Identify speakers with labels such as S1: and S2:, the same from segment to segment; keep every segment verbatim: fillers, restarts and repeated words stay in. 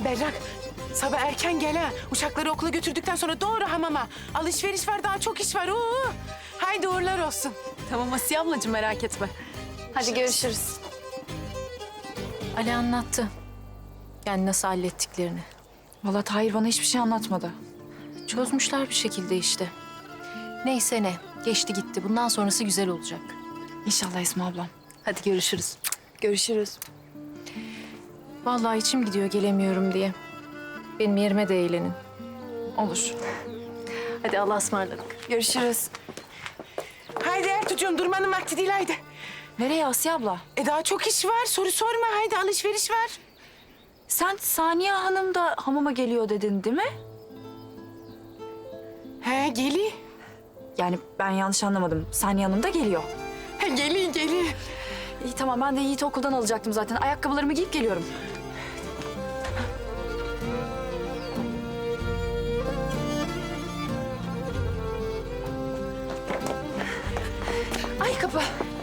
S1: Berrak, sabah erken gel ha. Uşakları okula götürdükten sonra doğru hamama. Alışveriş var, daha çok iş var. Oo. Haydi uğurlar olsun.
S2: Tamam Asiye ablacığım, merak etme.
S3: Hadi görüşürüz.
S2: Ali anlattı. Yani nasıl hallettiklerini.
S4: Vallahi Tahir bana hiçbir şey anlatmadı.
S2: Çözmüşler bir şekilde işte. Neyse ne, geçti gitti. Bundan sonrası güzel olacak.
S4: İnşallah Esma ablam.
S2: Hadi görüşürüz.
S3: Görüşürüz.
S2: Vallahi içim gidiyor gelemiyorum diye. Benim yerime de eğlenin.
S4: Olur.
S2: Hadi Allah'a ısmarladık.
S3: Görüşürüz.
S1: Haydi Ertuğcuğum, durmanın vakti değil haydi.
S4: Nereye Asiye abla?
S1: E daha çok iş var, soru sorma. Haydi alışveriş var.
S4: Sen Saniye Hanım da hamama geliyor dedin değil mi?
S1: He geli.
S4: Yani ben yanlış anlamadım. Saniye Hanım da geliyor.
S1: He geli geli.
S4: İyi tamam, ben de Yiğit'i okuldan alacaktım zaten. Ayakkabılarımı giyip geliyorum. Ay kapı.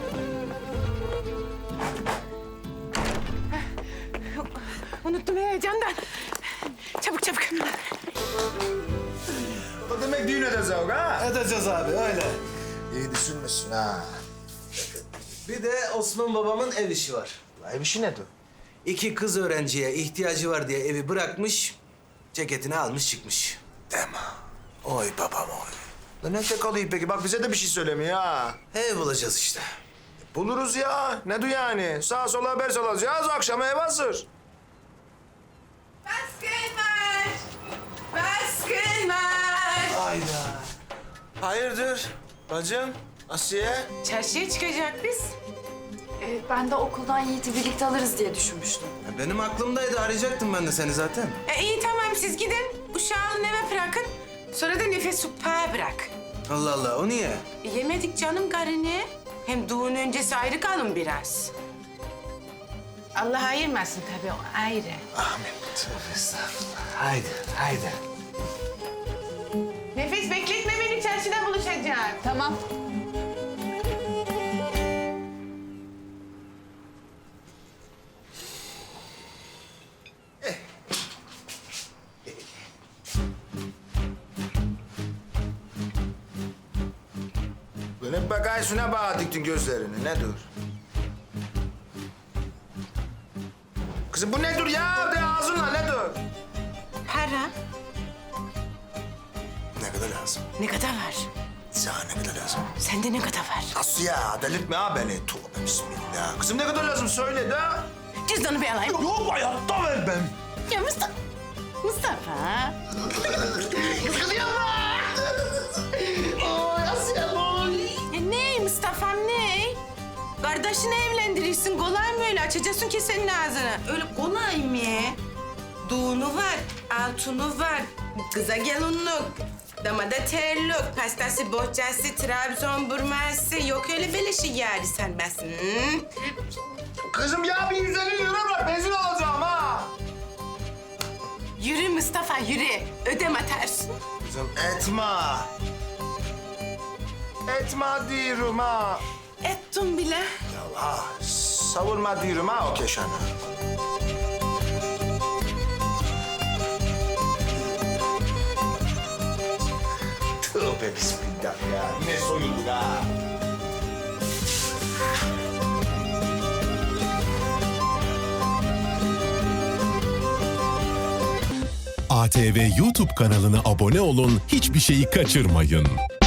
S1: Unuttum heyecandan. Çabuk çabuk.
S5: O demek düğün edeceğiz ha?
S6: Edeceğiz abi öyle.
S5: İyi düşünmüşsün ha.
S6: Bir de Osman babamın ev işi var.
S5: Ev işi nedir?
S6: İki kız öğrenciye ihtiyacı var diye evi bırakmış, ceketini almış çıkmış.
S5: Deme. Oy babam oy. Lan nerede kalıyor peki? Bak bize de bir şey söylemiyor ha.
S6: Ev bulacağız işte.
S5: Buluruz ya. Ne du yani? Sağa sola haber salacağız. Akşama ev hazır.
S1: Baskın var. Baskın var.
S5: Hayda. Hayırdır? Bacım, Asiye.
S1: Çarşıya çıkacak biz.
S4: Ee, ben de okuldan Yiğit'i birlikte alırız diye düşünmüştüm.
S6: Ya benim aklımdaydı, arayacaktım ben de seni zaten.
S1: E, iyi tamam, siz gidin. Uşağı alın eve bırakın. Sonra da nefes sopağa bırak.
S6: Allah Allah, o niye?
S1: E, yemedik canım karını. Hem düğün öncesi ayrı kalın biraz. Allah ayırmasın tabii, o ayrı.
S5: Amin. Tövbe estağfurullah. Haydi, haydi.
S1: Nefes bekletme beni, çarşıda buluşacağız.
S4: Tamam.
S5: Lan hep bakay şuna bağ diktin gözlerini. Ne dur? Kızım bu ne dur ya? De ağzınla ne dur?
S1: Para
S5: Ne kadar lazım?
S1: ne kadar var?
S5: Sana ne kadar lazım?
S1: Sende ne kadar var?
S5: Nasıl ya? Delirtme ha beni. Tövbe bismillah. Kızım ne kadar lazım söyle de.
S1: Cüzdanı bir alayım.
S5: Yok hayatta ver ben.
S1: Ya Mustafa. Mustafa.
S5: Kızıyor mu? Oy Asiye oy.
S1: Ya ne Mustafa'm ne? Kardeşini evlendirirsin. Kolay mı öyle? Açacaksın ki senin ağzını. Öyle kolay mı? Düğünü var, altını var, kıza gelinlik, damada terlik, pastası, bohçası, Trabzon burması. Yok öyle beleşi yani sen besin. Hı?
S5: Kızım ya bir yüz elli lira bırak. Benzin alacağım ha.
S1: Yürü Mustafa, yürü. Ödem atarsın.
S5: Kızım etme. Etme diyorum ha.
S1: Ettim bile.
S5: Ya ha, savurma diyorum ha o keşanı. Tövbe bismillah ya. Ne soyulduk ha.
S7: A T V YouTube kanalına abone olun, hiçbir şeyi kaçırmayın.